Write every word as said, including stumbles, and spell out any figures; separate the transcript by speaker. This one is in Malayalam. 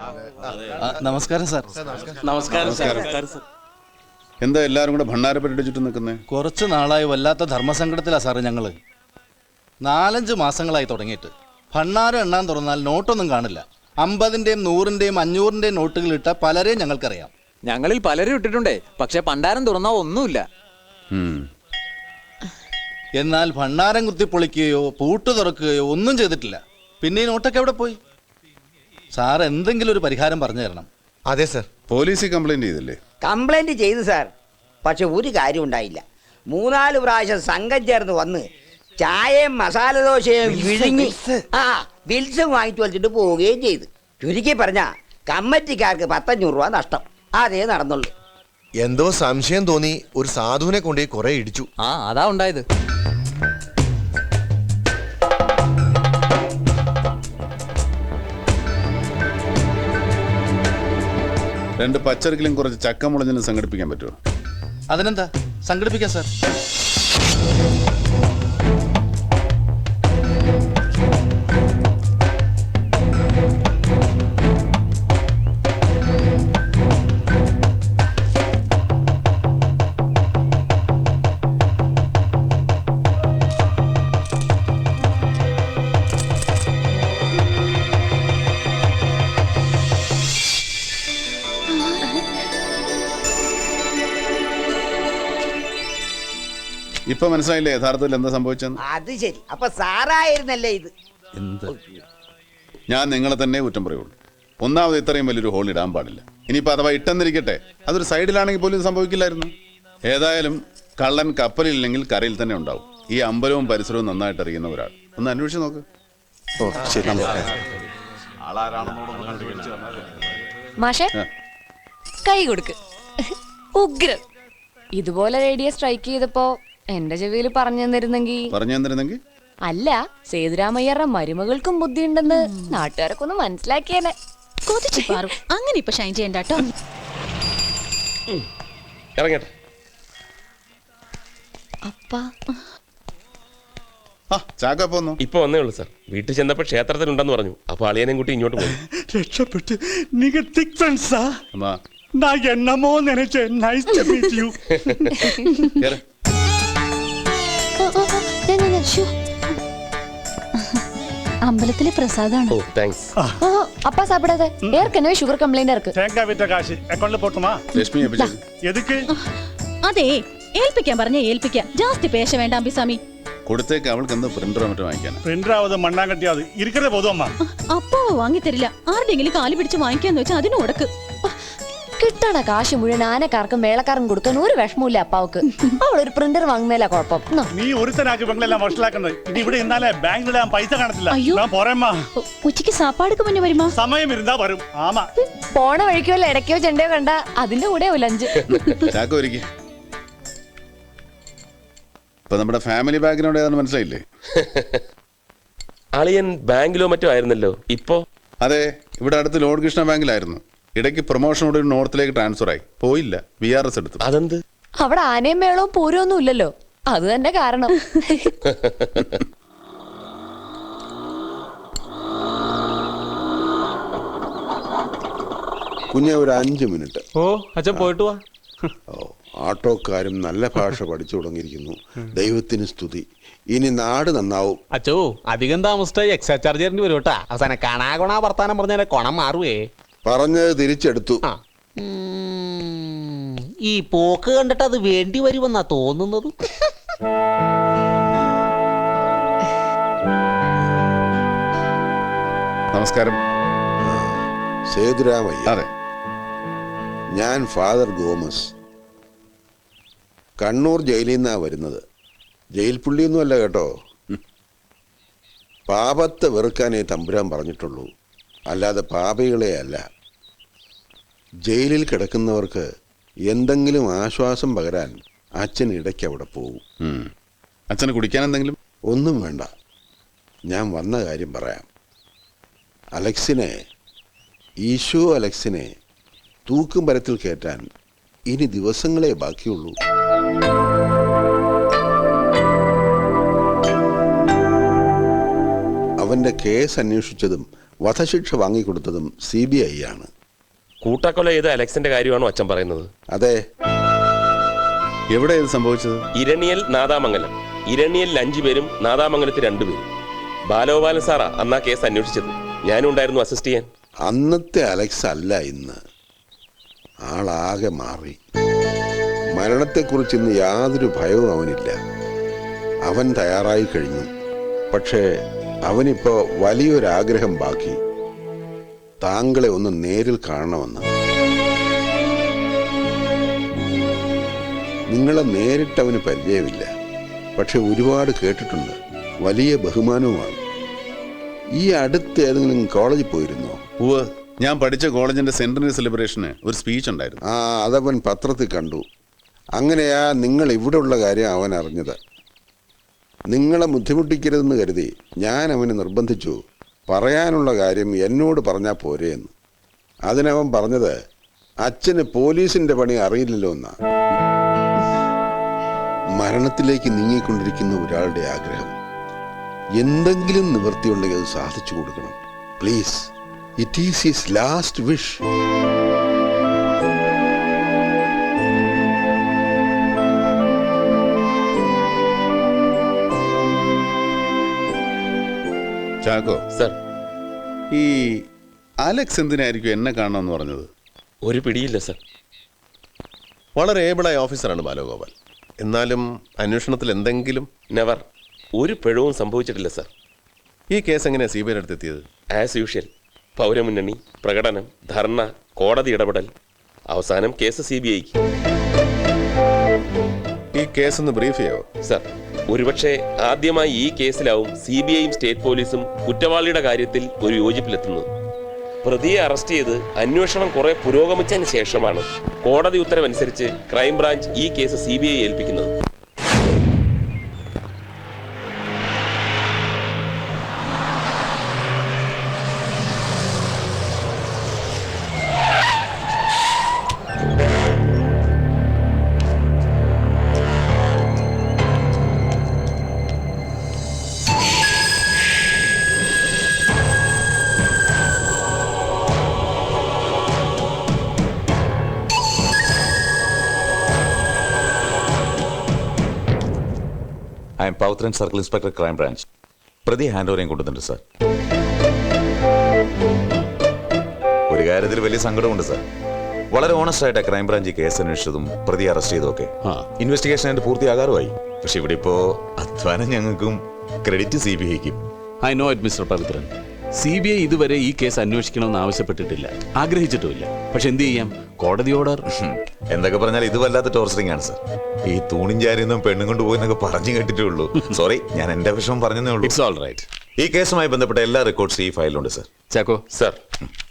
Speaker 1: നമസ്കാരം സാർ.
Speaker 2: നമസ്കാരം സാർ.
Speaker 3: എന്താ എല്ലാരും കൂടെ ഭണ്ണാരപ്പെട്ടിട്ട് ചുറ്റും നിൽക്കുന്നേ?
Speaker 1: കുറച്ച് നാളായി വല്ലാത്ത ധർമ്മസങ്കടത്തിലാ സാറ് ഞങ്ങള്. നാലഞ്ച് മാസങ്ങളായി തുടങ്ങിയിട്ട് ഭണ്ണാരം എണ്ണാൻ തുറന്നാൽ നോട്ടൊന്നും കാണില്ല. അമ്പതിന്റെയും നൂറിന്റെയും അഞ്ഞൂറിന്റെയും നോട്ടുകൾ ഇട്ട പലരെയും ഞങ്ങൾക്കറിയാം.
Speaker 2: ഞങ്ങളിൽ പലരും ഇട്ടിട്ടുണ്ടേ, പക്ഷെ ഭണ്ഡാരം തുറന്നാ ഒന്നുമില്ല.
Speaker 1: എന്നാൽ ഭണ്ണാരം കുത്തിപ്പൊളിക്കുകയോ പൂട്ട് തുറക്കുകയോ ഒന്നും ചെയ്തിട്ടില്ല. പിന്നെ ഈ നോട്ടൊക്കെ എവിടെ പോയി? സാർ എന്തെങ്കിലും ഒരു പരിഹാരം പറഞ്ഞു തരണം.
Speaker 4: അതെ സർ.
Speaker 3: പോലീസിൽ കംപ്ലൈന്റ് ചെയ്തില്ലേ?
Speaker 5: കംപ്ലൈന്റ് ചെയ്തു സാർ, പക്ഷെ ഒരു കാര്യം ഉണ്ടായില്ല. മൂന്നാല് പ്രാവശ്യം സംഘം ചേർന്ന് വന്ന് ചായയും മസാല ദോശയും വിഴുങ്ങി ആ ബിൽസും വാങ്ങിച്ചു വലിച്ചിട്ട് പോവുകയും ചെയ്തു. ചുരുക്കി പറഞ്ഞ കമ്മിറ്റിക്കാർക്ക് പത്തഞ്ഞൂറ് രൂപ നഷ്ടം. അതേ നടന്നുള്ളൂ.
Speaker 4: എന്തോ സംശയം തോന്നി ഒരു സാധുവിനെ കൊണ്ടേ കുറെ ഇടിച്ചു.
Speaker 2: ആ അതാ ഉണ്ടായത്.
Speaker 3: രണ്ട് പച്ചറിക്കലും കുറച്ച് ചക്കമുളഞ്ഞിനും സംഘടിപ്പിക്കാൻ പറ്റുമോ?
Speaker 1: അതിനെന്താ, സംഘടിപ്പിക്കാം സാർ.
Speaker 3: ഇപ്പൊ മനസ്സിലായില്ലേ യഥാർത്ഥത്തിൽ എന്താ സംഭവിച്ചെന്ന്?
Speaker 5: അത് ശരി, അപ്പൊ സാറായിരുന്നല്ലേ ഇത്?
Speaker 1: എന്ത്?
Speaker 3: ഞാൻ നിങ്ങളെ തന്നെ കുറ്റം പറയുള്ളൂ. ഒന്നാമത് ഇത്രയും വലിയൊരു ഹോൾ ഇടാൻ പാടില്ല. ഇനിയിപ്പോൾ അഥവാ ഇട്ടെന്നിരിക്കട്ടെ, അതൊരു സൈഡിലാണെങ്കിൽ പോലും സംഭവിക്കില്ലായിരുന്നു. ഏതായാലും കള്ളൻ കപ്പലില്ലെങ്കിൽ കരയിൽ തന്നെ ഉണ്ടാവും. ഈ അമ്പലവും പരിസരവും നന്നായിട്ട് അറിയുന്ന ഒരാൾ ഒന്ന് അന്വേഷിച്ച് നോക്ക്.
Speaker 4: ഓ ശരി.
Speaker 6: മാഷേ, കൈ കൊടുക്ക്. ഉഗ്രം. ഇതുപോലെ റേഡിയോ സ്ട്രൈക്ക് ചെയ്തപ്പോ എന്റെ ചെവിയിൽ പറഞ്ഞു തന്നിരുന്നെങ്കിൽ
Speaker 3: പറഞ്ഞു തന്നിരുന്നെങ്കിൽ
Speaker 6: അല്ല, സേതുരാമയ്യരുടെ മരുമകൾക്കും ബുദ്ധിയുണ്ടെന്ന് നാട്ടുകാരൊക്കെ ഒന്ന് മനസ്സിലാക്കിയേനെ.
Speaker 7: കൊതിച്ചു പാറും. അങ്ങനെ ഇപ്പൊ ഷൈൻ ചെയ്യണ്ട കേട്ടോ.
Speaker 6: അപ്പാ
Speaker 3: ചാക്ക പോന്നു.
Speaker 8: ഇപ്പൊ വന്നേ ഉള്ളൂ സാർ. വീട്ടിൽ ചെന്നപ്പോ ക്ഷേത്രത്തിലുണ്ടെന്ന് പറഞ്ഞു. അപ്പൊ അളിയനെയും കൂട്ടി ഇങ്ങോട്ട് പോയി.
Speaker 9: രക്ഷപ്പെട്ട് നിങ്ങൾ തിക് ഫ്രണ്ട്സാ?
Speaker 3: അമ്മാ
Speaker 9: நான் என்னமோ நினைச்சேன். Nice to meet you.
Speaker 7: അമ്പലത്തിലെ പ്രസാദാണ്.
Speaker 8: ഓ താങ്ക്സ്.
Speaker 6: அப்பா சாப்பிடாத, ஏற்கனவே சுகர் கம்ப்ளைண்ட் இருக்கு.
Speaker 9: தேங்காய் வித்த காசு அக்கௌண்ட்ல போட்டுமா?
Speaker 3: ലക്ഷ്മി
Speaker 9: எதுக்கு?
Speaker 7: അതെ, ഏൽപ്പിക്കാൻ പറഞ്ഞ ഏൽപ്പിക്കാം. ജാസ്തി പേശ വേണ്ട അമ്പിസ്വാമി.
Speaker 3: കൊടുത്തേക്ക്. അവൾക്ക് എന്താ പ്രിന്ററോ മറ്റോ വാങ്ങിക്കാൻ?
Speaker 9: പ്രിന്ററാവത് മണ്ണാങ്കട്ടിയാവത് ഇരിക്കതേ പോതും അമ്മ.
Speaker 7: അപ്പോ വാങ്ങി തരില്ല. ആരുടെങ്കിലും കാല് പിടിച്ച് വാങ്ങിക്കാന്ന് വെച്ചാൽ അതിന് കൊടുക്ക്.
Speaker 6: കിട്ടണ കാശ് മുഴുവൻ ആനക്കാർക്കും മേളക്കാർക്കും കൊടുക്കാൻ ഒരു വിഷമമില്ല അപ്പാവക്ക്. അവളൊരു പ്രിന്റർ വാങ്ങുന്നതിലാ കുഴപ്പം.
Speaker 9: നീ ഒരുത്തനാക്കി പെങ്ങളെല്ലാം വഷളാക്കുന്നത്. ഇനി ഇവിടെ ഇന്നാലേ ബാങ്കിലിടാൻ പൈസ കാണത്തില്ല. ഞാൻ പോരേമ്മാ.
Speaker 7: ഉച്ചക്ക് സാപ്പാടുക്ക് മുന്നേ വരുമാ?
Speaker 9: സമയം ഇരുന്നാ വരും. ആമാ.
Speaker 6: പോണ വഴിക്കോ ഇടയ്ക്കോ ചെണ്ടയോ കണ്ട അതിന്റെ കൂടെ ലഞ്ച്.
Speaker 3: ചാക്ക ഒരുക്കി. ഇപ്പൊ നമ്മുടെ ഫാമിലി ബാക്കിനോട് ഏതാണെന്ന് മനസ്സിലായില്ലേ?
Speaker 8: അളിയൻ ബാങ്കിലോ മറ്റോ ആയിരുന്നല്ലോ. ഇപ്പോ
Speaker 3: അതെ, ഇവിടെ അടുത്ത് ലോഡ് കൃഷ്ണ ബാങ്കിലായിരുന്നു. ഇടയ്ക്ക് പ്രൊമോഷനോട് നോർത്തിലേക്ക് ട്രാൻസ്ഫർ ആയി. പോയില്ല, ബി ആർ എസ് എടുത്തു.
Speaker 8: അതെന്ത്?
Speaker 6: അവിടെ ആനയും മേളവും പൂരമൊന്നും ഇല്ലല്ലോ, അത് തന്നെ കാരണം.
Speaker 10: കുഞ്ഞെ ഒരു അഞ്ചു മിനിറ്റ്.
Speaker 2: ഓ അച്ഛൻ പോയിട്ട് വാ.
Speaker 10: ഓ, ആട്ടോക്കാരും നല്ല ഭാഷ പഠിച്ചു തുടങ്ങിയിരിക്കുന്നു. ദൈവത്തിന് സ്തുതി. ഇനി നാട് നന്നാവും.
Speaker 2: അച്ചോ, അധികം താമസിച്ചായി എക്സ്ട്രാ ചാർജ് തരേണ്ടി വരും കേട്ടാ. അവസാനം കണാ കൊണാ വർത്താനം പറഞ്ഞാൽ കൊണം മാറുവേ.
Speaker 10: പറഞ്ഞത് തിരിച്ചെടുത്തു.
Speaker 2: ഈ പോക്ക് കണ്ടിട്ട് അത് വേണ്ടി വരുമെന്നാ തോന്നുന്നത്.
Speaker 3: നമസ്കാരം.
Speaker 10: സേതുരാമയ്യ.
Speaker 3: അതെ,
Speaker 10: ഞാൻ ഫാദർ ഗോമസ്. കണ്ണൂർ ജയിലിൽ നിന്നാ വരുന്നത്. ജയിൽ പുള്ളിയൊന്നും അല്ല കേട്ടോ. പാപത്തെ വെറുക്കാനേ തമ്പുരാൻ പറഞ്ഞിട്ടുള്ളൂ, അല്ലാതെ പാപികളെ അല്ല. ജയിലിൽ കിടക്കുന്നവർക്ക് എന്തെങ്കിലും ആശ്വാസം പകരാൻ അച്ഛൻ ഇടയ്ക്ക് അവിടെ പോകും.
Speaker 3: അച്ഛന് കുടിക്കാൻ എന്തെങ്കിലും?
Speaker 10: ഒന്നും വേണ്ട, ഞാൻ വന്ന കാര്യം പറയാം. അലക്സിനെ, ഈശോ അലക്സിനെ തൂക്കും മരത്തിൽ കയറ്റാൻ ഇനി ദിവസങ്ങളെ ബാക്കിയുള്ളൂ. അവന്റെ കേസ് അന്വേഷിച്ചതും വധശിക്ഷ വാങ്ങിക്കൊടുത്തതും സി ബി ഐ ആണ്.
Speaker 8: കൂട്ടക്കൊല ചെയ്ത അലക്സിന്റെ കാര്യമാണോ അച്ഛൻ പറയുന്നത്?
Speaker 10: അതെ.
Speaker 3: എവിടെ ഇത് സംഭവിച്ചത്?
Speaker 8: ഇരണിയൽ നാദാമംഗലം. ഇരണിയലിൽ അഞ്ചു പേരും നാദാമംഗലത്തിൽ രണ്ടുപേരും. ബാലഗോപാലൻ സാറാ അന്നാ കേസ് അന്വേഷിച്ചത്. ഞാനും ഉണ്ടായിരുന്നു അസിസ്റ്റ് ചെയ്യാൻ.
Speaker 10: അന്നത്തെ അലക്സ് അല്ല ഇന്ന്. ആളാകെ മാറി. മരണത്തെക്കുറിച്ച് ഇന്ന് യാതൊരു ഭയവും അവനില്ല. അവൻ തയ്യാറായി കഴിഞ്ഞു. പക്ഷേ അവനിപ്പോ വലിയൊരാഗ്രഹം ബാക്കി. താങ്കളെ ഒന്ന് നേരിൽ കാണണമെന്ന്. നിങ്ങളെ നേരിട്ട് അവന് പരിചയമില്ല. പക്ഷെ ഒരുപാട് കേട്ടിട്ടുണ്ട്. വലിയ ബഹുമാനവുമാണ്. ഈ അടുത്ത് ഏതെങ്കിലും കോളേജിൽ പോയിരുന്നോ?
Speaker 3: ഉവ്വ്, ഞാൻ പഠിച്ച കോളേജിന്റെ സെന്ററിന്റെ സെലിബ്രേഷന് ഒരു സ്പീച്ച് ഉണ്ടായിരുന്നു.
Speaker 10: ആ, അതവൻ പത്രത്തിൽ കണ്ടു. അങ്ങനെയാ നിങ്ങൾ ഇവിടെ ഉള്ള കാര്യം അവൻ അറിഞ്ഞത്. നിങ്ങളെ ബുദ്ധിമുട്ടിക്കരുതെന്ന് കരുതി ഞാൻ അവനെ നിർബന്ധിച്ചു. പറയാനുള്ള കാര്യം എന്നോട് പറഞ്ഞാൽ പോരെ എന്ന്. അതിനവൻ പറഞ്ഞത് അച്ഛന് പോലീസിന്റെ പണി അറിയില്ലല്ലോ എന്നാ. മരണത്തിലേക്ക് നീങ്ങിക്കൊണ്ടിരിക്കുന്ന ഒരാളുടെ ആഗ്രഹം എന്തെങ്കിലും നിവൃത്തിയുണ്ടെങ്കിൽ അത് സാധിച്ചു കൊടുക്കണം. Please, it is his last wish.
Speaker 3: Chacko
Speaker 8: sir,
Speaker 3: ഈ അലക്സ് എന്തിനായിരിക്കും എന്നെ കാണണമെന്ന് പറഞ്ഞത്?
Speaker 8: ഒരു പിടിയില്ല സർ.
Speaker 11: വളരെ ഏബിളായ ഓഫീസറാണ് ബാലഗോപാൽ. എന്നാലും അന്വേഷണത്തിൽ എന്തെങ്കിലും?
Speaker 8: നെവർ. ഒരു പിഴവും സംഭവിച്ചിട്ടില്ല സർ.
Speaker 11: ഈ കേസ് എങ്ങനെയാണ് സി ബി ഐയുടെ അടുത്തെത്തിയത്?
Speaker 8: As usual. പൗരമുന്നണി, പ്രകടനം, ധർണ, കോടതി ഇടപെടൽ, അവസാനം കേസ് സി ബി ഐക്ക്.
Speaker 11: ഈ കേസ് ഒന്ന് ബ്രീഫ് ചെയ്യോ?
Speaker 8: സർ, ഒരുപക്ഷെ ആദ്യമായി ഈ കേസിലാവും സി ബി ഐയും സ്റ്റേറ്റ് പോലീസും കുറ്റവാളിയുടെ കാര്യത്തിൽ ഒരു യോജിപ്പിലെത്തുന്നത്. പ്രതിയെ അറസ്റ്റ് ചെയ്ത് അന്വേഷണം കുറെ പുരോഗമിച്ചതിന് ശേഷമാണ് കോടതി ഉത്തരവനുസരിച്ച് ക്രൈംബ്രാഞ്ച് ഈ കേസ് സി ബി ഐ ഏൽപ്പിക്കുന്നത്.
Speaker 12: I am Pavithran circle inspector crime branch. പ്രതി ഹാൻഡ് ഓവറേയും കൊണ്ടുവന്നിട്ടുണ്ട് സാർ. ഒരു കാര്യത്തിൽ വലിയ സങ്കടമുണ്ട് സാർ. വളരെ ഓണസ്റ്റ് ആയിട്ട് ക്രൈം ബ്രാഞ്ച് കേസ് അന്വേഷിച്ചതും പ്രതി അറസ്റ്റ് ചെയ്തൊക്കെ ഇൻവെസ്റ്റിഗേഷൻ ആയിട്ട് പൂർത്തിയാകാറുമായി. പക്ഷെ ഇവിടെ ഇപ്പോ അധ്വാനം ഞങ്ങൾക്കും ക്രെഡിറ്റ് സി ബി ഐക്കും.
Speaker 13: I know it mister Pavithran. C B I ഇതുവരെ ഈ കേസ് അന്വേഷിക്കണമെന്ന് ആവശ്യപ്പെട്ടിട്ടില്ല, ആഗ്രഹിച്ചിട്ടുമില്ല. പക്ഷെ എന്ത് ചെയ്യാം, കോടതി ഓർഡർ.
Speaker 12: എന്തൊക്കെ പറഞ്ഞാൽ ഇത് വല്ലാത്ത ടോർച്ചറിംഗ് ആണ് സാർ. ഈ തൂണിൻ ചാരിയൊന്നും പെണ്ണും കൊണ്ട് പോയെന്നൊക്കെ പറഞ്ഞു കേട്ടിട്ടേ ഉള്ളൂ. സോറി, ഞാൻ എന്റെ വിഷമം പറഞ്ഞതേ ഉള്ളൂ.
Speaker 13: It's all right.
Speaker 12: ഈ കേസുമായി ബന്ധപ്പെട്ട എല്ലാ റെക്കോർഡ്സും ഈ ഫയലിലുണ്ട് സാർ.
Speaker 13: ചാക്കോ
Speaker 8: സർ,